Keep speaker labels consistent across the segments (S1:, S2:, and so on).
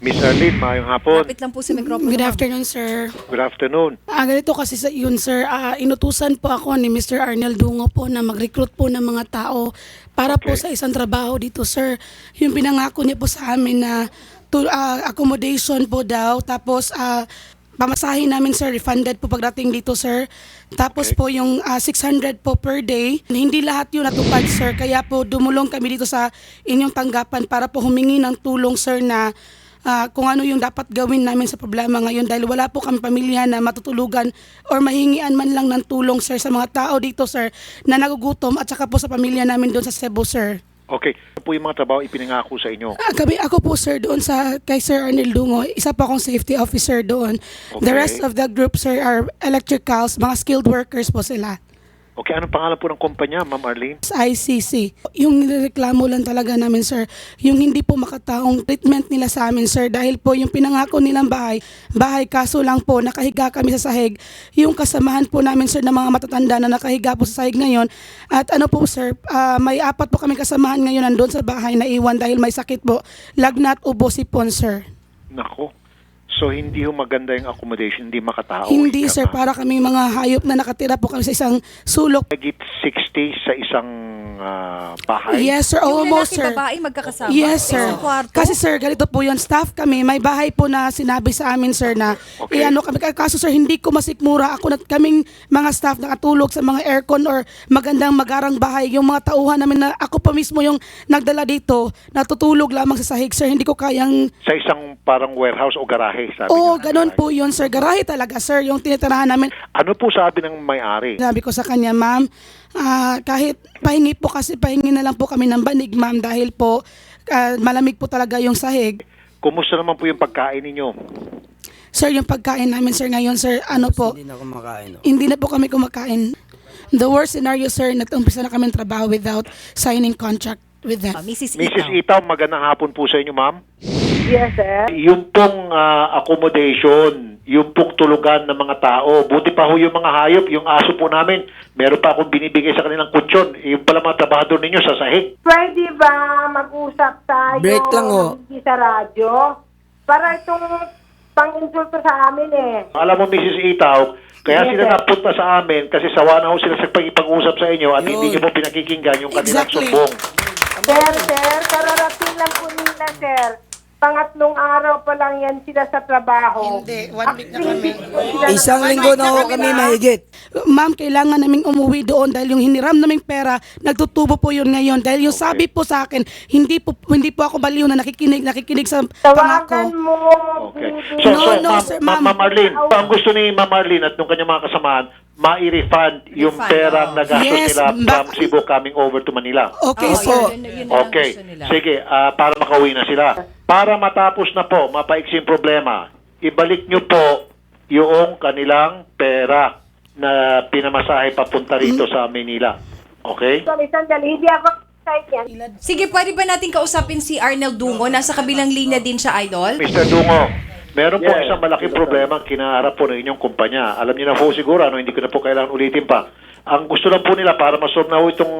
S1: Miss Arlene, maayong hapon.
S2: Lapit lang po sa mikropono.
S3: Good
S2: ma'am.
S3: afternoon, sir.
S1: Good afternoon.
S3: Ganito kasi sa yun, sir. Inutusan po ako ni Mr. Arnel Dungo po na mag-recruit po ng mga tao para po sa isang trabaho dito, sir. Yung pinangako niya po sa amin na accommodation po daw. Tapos, pamasahin namin, sir, refunded po pagdating dito, sir. Tapos po yung 600 po per day, hindi lahat yun natupad, sir. Kaya po dumulong kami dito sa inyong tanggapan para po humingi ng tulong, sir, na kung ano yung dapat gawin namin sa problema ngayon dahil wala po kami pamilya na matutulugan or mahingian man lang ng tulong, sir, sa mga tao dito, sir, na nagugutom at saka po sa pamilya namin doon sa Cebu, sir.
S1: Okay, ano po yung mga trabaho ipinangako sa inyo?
S3: Ako po, sir, doon kay Sir Arnel Dungo, isa pa akong safety officer doon. The
S1: Okay.
S3: rest of the group, sir, are electricals, mga skilled workers po sila.
S1: Okay, anong pangalan po ng kumpanya, Ma'am Arlene?
S3: ICC. Yung nireklamo lang talaga namin, sir, yung hindi po makataong treatment nila sa amin, sir, dahil po yung pinangako nilang bahay kaso lang po nakahiga kami sa sahig. Yung kasamahan po namin, sir, ng mga matatanda na nakahiga po sa sahig ngayon. At ano po, sir, may 4 po kami kasamahan ngayon nandun sa bahay na iwan dahil may sakit po, lagnat, ubo, sipon, sir.
S1: Nako. So, hindi yung maganda yung accommodation, hindi makatao.
S3: Hindi,
S1: ika
S3: sir,
S1: nga.
S3: para kami mga hayop na nakatira po kami sa isang sulok.
S1: Higit 60 sa isang bahay?
S3: Yes, sir.
S2: Yung
S3: Almost,
S2: lalaki,
S3: sir.
S2: babae, magkakasama.
S3: Yes, sir.
S2: Isang kwarto.
S3: Kasi, sir, ganito po yun. Staff kami, may bahay po na sinabi sa amin, sir, na
S1: Okay.
S3: kami. Kaso, sir, hindi ko masikmura. Ako na kaming mga staff nakatulog sa mga aircon or magandang magarang bahay. Yung mga tauhan namin na ako pa mismo yung nagdala dito, natutulog lamang sa sahig, sir. Hindi ko kayang...
S1: Sa isang parang warehouse o garahe, sabi
S3: Oo,
S1: niya.
S3: ganun po yun, sir. Garahe talaga, sir. Yung tinitirahan namin.
S1: Ano po sabi ng may-ari?
S3: Sabi ko sa kanya, ma'am, kahit pahingi na lang po kami ng banig, ma'am, dahil po malamig po talaga yung sahig.
S1: Kumusta naman po yung pagkain ninyo?
S3: Sir, yung pagkain namin, sir, ngayon, sir, ano po,
S4: Hindi na kumakain. No?
S3: hindi na po kami kumakain. The worst scenario, sir, nag-umpisa na kami trabaho without signing contract with them.
S2: Mrs.
S1: Mrs.
S2: Itaw.
S1: Itaw, magandang hapon po sa inyo, ma'am.
S5: Yes, sir.
S1: Yung pong accommodation, yung pong tulugan ng mga tao, buti pa ho yung mga hayop, yung aso po namin, meron pa akong binibigay sa kanilang kutsyon. Yung pala mga trabahador ninyo sa sahig.
S5: Pwede ba mag-usap tayo
S4: Break lang, oh.
S5: hindi sa radyo? Para itong pang-insulto sa amin eh.
S1: Alam mo, Mrs. Itaw, kaya
S5: Yes,
S1: sila
S5: sir.
S1: napunta sa amin kasi sawa na ho sila sa pag-usap sa inyo at hindi
S4: Yun.
S1: nyo po pinakikinggan yung kanilang
S3: Exactly.
S1: sumbong.
S5: Sir, kararating lang po nila, sir. Pangatlong araw pa lang yan sila sa trabaho.
S3: Hindi, 1 week na kami.
S4: Isang linggo na ho kami mahigit.
S3: Ma'am, kailangan naming umuwi doon dahil yung hiniram naming pera, nagtutubo po yun ngayon. Dahil yung sabi po sa akin, hindi po ako baliw na nakikinig sa
S5: Tawagan
S3: pangako.
S5: mo.
S1: Okay.
S5: Bibi.
S3: No, sir, ma'am.
S1: Ma'am Arlene, ang gusto ni Ma'am Arlene at nung kanyang mga kasamahan, ma-refund yung
S2: Refund,
S1: perang
S2: oh.
S1: nagastos
S3: Yes,
S1: nila from
S3: ba-
S1: Cebu coming over to Manila.
S3: Okay,
S2: Oo,
S3: so,
S2: yun na lang
S1: Okay.
S2: gusto nila.
S1: Sige, para makauwi na sila. Para matapos na po, mapaiksing problema, ibalik nyo po yung kanilang pera na pinamasahe papunta rito sa Manila. Okay?
S5: Sorry, sandali. Hindi ako excited yan.
S2: Sige, pwede ba natin kausapin si Arnel Dungo? Nasa kabilang linya din siya, Idol.
S1: Mr. Dungo, meron po isang malaking problema ang kinaharap po ng inyong kumpanya. Alam niyo na po siguro, hindi ko na po kailangan ulitin pa. Ang gusto lang po nila para masolve na po itong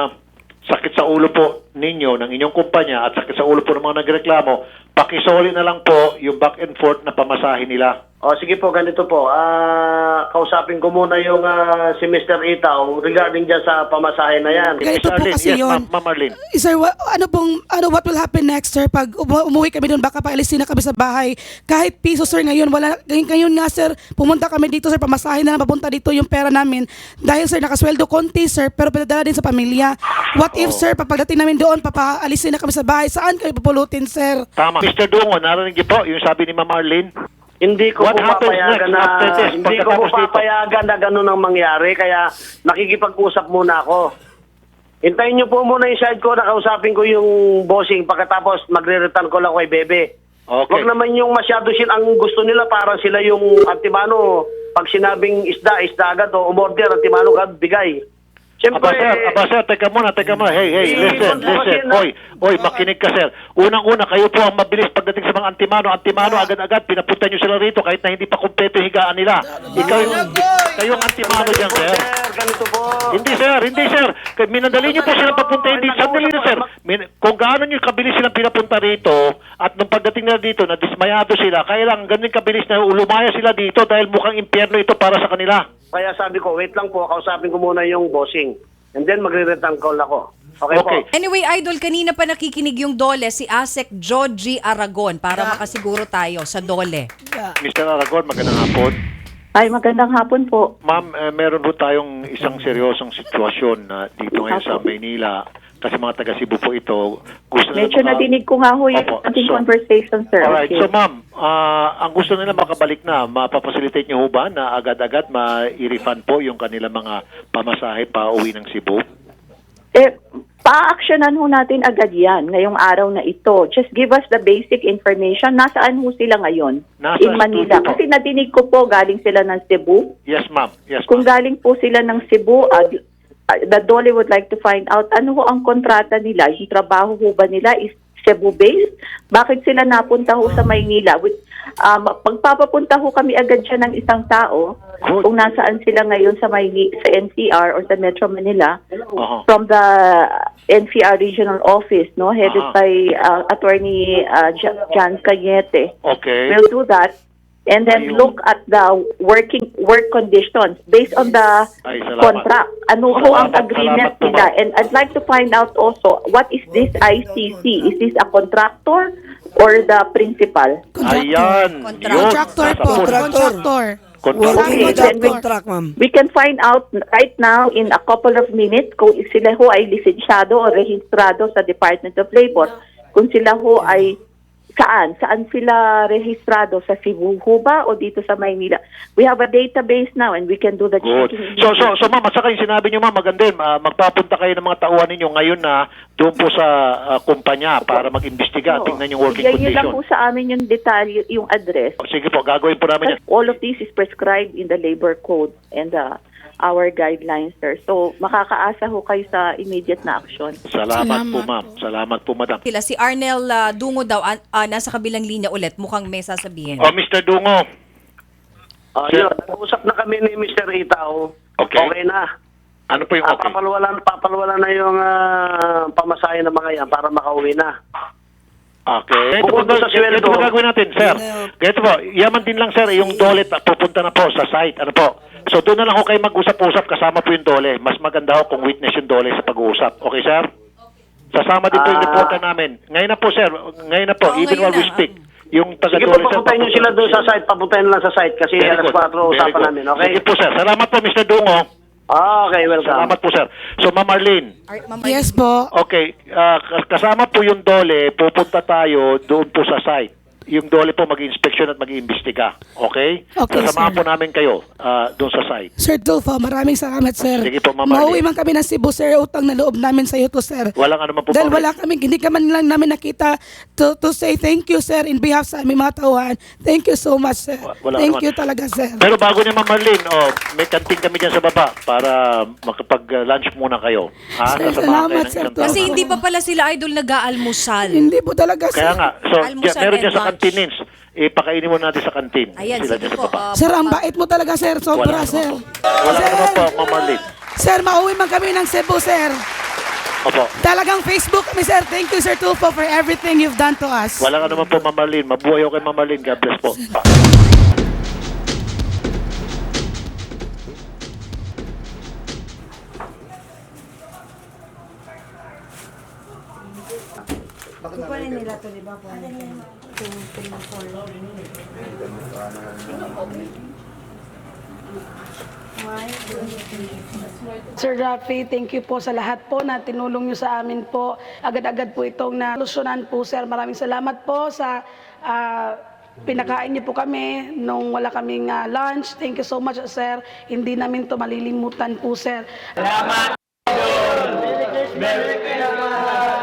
S1: sakit sa ulo po ninyo ng inyong kumpanya at sakit sa ulo po ng mga nagreklamo, pakisoli na lang po yung back and forth na pamasahe nila.
S6: O sige po, ganito po. Kausapin ko muna yung si Mr. Itaw regarding dyan sa pamasahe na yan.
S3: Ganito po kasi
S1: yes,
S3: yun.
S1: Ma'am Arlene.
S3: Sir, what will happen next, sir? Pag umuwi kami doon, baka paalisin na kami sa bahay. Kahit piso, sir, ngayon, ngayon nga, sir, pumunta kami dito, sir, pamasahin na lang papunta dito yung pera namin. Dahil, sir, nakasweldo konti, sir, pero pinadala din sa pamilya. What if, sir, pagdating namin doon, papaalisin na kami sa bahay, saan kayo pupulutin, sir?
S1: Tama. Mr. Dungo, narinig niyo po yung sabi ni Ma'am Arlene?
S6: Hindi ko
S1: What
S6: po
S1: happens
S6: papayagan
S1: next after this?
S6: hindi ko po
S1: Pagkatapos dito?
S6: papayagan na gano'n ang mangyari, kaya nakikipag-usap muna ako. Hintayin niyo po muna yung side ko, nakausapin ko yung bossing, pagkatapos magre-return ko lang kay Bebe.
S1: Okay.
S6: Wag naman yung masyado ang gusto nila, parang sila yung antimano, pag sinabing isda agad o umorder, antimano agad, bigay. Siyempre,
S1: Sir, teka muna. Hey, listen. Oy, makinig ka, sir. Unang-una, kayo po ang mabilis pagdating sa mga antimano. Antimano, agad-agad, pinapunta nyo sila rito kahit na hindi pa kumpleto yung higaan nila. Kayo ang antimano dyan, sir.
S6: ganito po.
S1: Hindi, sir. Minadali nyo po silang papuntahin dito. Sandali na, sir. Kung gaano nyo kabilis silang pinapunta rito, at nung pagdating nila dito, nadismayado sila, kaya lang ganun kabilis na lumaya sila dito dahil mukhang impyerno ito para sa kanila.
S6: Kaya sabi ko, wait lang po, kausapin ko muna yung bossing. And then magre-return call ako. Okay,
S1: Okay.
S6: po.
S2: Anyway, Idol, kanina pa nakikinig yung Dole, si Asek Joji Aragon, para makasiguro tayo sa Dole.
S1: Mr. Aragon, magandang hapon.
S7: Ay, magandang hapon po.
S1: Ma'am, meron po tayong isang seryosong sitwasyon na dito ngayon sa Maynila. Kasi mga taga Cebu po ito. Gusto
S7: Medyo
S1: nila
S7: nadinig ko nga ho yung
S1: Opo.
S7: ating
S1: So,
S7: conversation, sir.
S1: Alright,
S7: Okay.
S1: so ma'am, ang gusto nila makabalik na, mapapacilitate niyo ho ba na agad-agad ma-refund po yung kanilang mga pamasahe pa uwi ng Cebu?
S7: Pa-actionan ho natin agad yan ngayong araw na ito. Just give us the basic information. Nasaan ho sila ngayon?
S1: Nasa
S7: In Manila.
S1: studio po.
S7: Kasi nadinig ko po galing sila ng Cebu.
S1: Yes, ma'am.
S7: Kung galing po sila ng Cebu, the Dole would like to find out ano ho ang kontrata nila. Yung trabaho ho ba nila is Cebu-based? Bakit sila napunta ho sa Maynila? Pagpapapunta ho kami agad siya ng isang tao,
S1: Good.
S7: kung nasaan sila ngayon sa sa NCR or sa Metro Manila,
S1: Uh-huh.
S7: from the NCR Regional Office, no, headed by Attorney John Cañete.
S1: Okay.
S7: We'll do that. And then
S1: Ayun.
S7: look at the work conditions based on the
S1: Ay, salamat.
S7: contract. Ano ho ang
S1: Salamat,
S7: agreement
S1: salamat po,
S7: nila?
S1: ma'am.
S7: And I'd like to find out also, what is this ICC? Is this a contractor or the principal?
S1: Ayan.
S3: Contractor
S1: Nasa
S3: po.
S1: phone.
S3: Contractor.
S1: Contractor.
S7: Okay,
S4: Working without
S7: then we-
S4: contract, ma'am.
S7: We can find out right now in a couple of minutes kung sila ho ay lisensyado o rehistrado sa Department of Labor. Kung sila ho ay saan sila rehistrado, sa Cebu ho ba o dito sa Maynila? We have a database now and we can do the
S1: Good.
S7: checking.
S1: So ma'am, at saka yung sinabi niyo ma'am, maganda yun. Magpapunta kayo ng mga tauhan ninyo ngayon na doon po sa kumpanya para mag-imbestiga. Tingnan yung working
S7: Yun lang
S1: condition.
S7: po sa amin yung detalye, yung address.
S1: Sige po, gagawin po namin yan.
S7: All of this is prescribed in the labor code and our guidelines, sir. So, makakaasa ho kayo sa immediate na action.
S1: Salamat po ma'am. Salamat po madam.
S2: Sila, si Arnel Dungo daw, nasa kabilang linya ulit, mukhang may sasabihin.
S1: Oh, Mr. Dungo.
S6: Yun, nag-usap na kami ni Mr. Itao.
S1: Okay.
S6: na.
S1: Ano po yung okay?
S6: Papalwalan na yung pamasahe ng mga yan para makauwi na.
S1: Okay.
S6: Bukod doon sa sweldo.
S1: Ito po gagawin natin, sir. Ganito po, yaman din lang, sir, yung dole pupunta na po sa site. Ano po? So doon na lang ho kayo mag-usap-usap kasama po yung dole. Mas maganda ho kung witness yung dole sa pag-uusap. Okay, sir? Sasama din po yung reporter namin. Ngayon na po, sir. Ngayon na po,
S2: Oo,
S1: even
S2: ngayon
S1: while we
S2: na.
S1: speak. Yung
S6: Sige po,
S1: taga-dole, sir.
S6: papuntahin nyo sila doon sa site. Papuntahin lang sa site kasi
S1: Very
S6: alas
S1: good.
S6: 4
S1: Very
S6: usapan
S1: good.
S6: namin. Okay?
S1: Sige po, sir. Salamat po, Mr. Dungo.
S6: Okay, welcome.
S1: Salamat po, sir. So, Ma'am Arlene.
S2: Ma'am
S3: Yes po.
S1: Okay, kasama po yung dole, pupunta tayo doon po sa site. Yung dole po mag-inspection at mag-iimbestiga. Okay?
S3: Okay,
S1: Sasamahan
S3: sir.
S1: po namin kayo doon sa site.
S3: Sir Tulfo, maraming salamat, sir.
S1: Sige po, Ma'am
S3: Mauwi
S1: Arlene.
S3: man kami ng Cebu, sir. Utang na loob namin sa iyo to, sir.
S1: Walang ano man po.
S3: Dahil
S1: Ma'am
S3: wala kami, hindi ka man lang namin nakita to say thank you, sir, in behalf sa aming mga tauhan. Thank you so much, sir.
S1: Wala
S3: Thank
S1: naman.
S3: you talaga, sir.
S1: Pero bago niya, Ma'am Arlene, may kanting kami dyan sa baba para makapag-lunch muna kayo. Ha?
S3: Sir,
S1: Sasamahan kayo
S3: salamat,
S1: ng
S3: sir.
S1: isang tao.
S2: Kasi hindi pa pala sila, Idol, nag-aalmusal.
S3: Hindi po talaga, sir.
S1: Kaya nga, so
S2: Almusal
S1: meron
S2: and
S1: dyan sa
S2: lunch.
S1: canteens. Pakainin mo natin sa kantin.
S2: Ayan,
S1: Sila
S2: sige
S1: dyan
S2: po.
S1: sa baba.
S3: Sir, ang bait mo talaga, sir. Sobra,
S1: Wala
S3: sir.
S1: naman po. Wala
S3: Sir,
S1: naman po, Ma'am Arlene.
S3: Sir, mauwi man kami ng Cebu, sir.
S1: Opo.
S3: Talagang Facebook kami, sir. Thank you, Sir Tulfo, for everything you've done to us.
S1: Wala ka naman po, Ma'am Arlene. Mabuhay ako kay Ma'am Arlene. God bless po.
S3: Sir Rafi, thank you po sa lahat po na tinulong nyo sa amin po. Agad-agad po itong nalusyonan po, sir. Maraming salamat po sa pinakain niyo po kami nung wala kaming lunch. Thank you so much, sir. Hindi namin to malilimutan po, sir.
S8: Merry Christmas!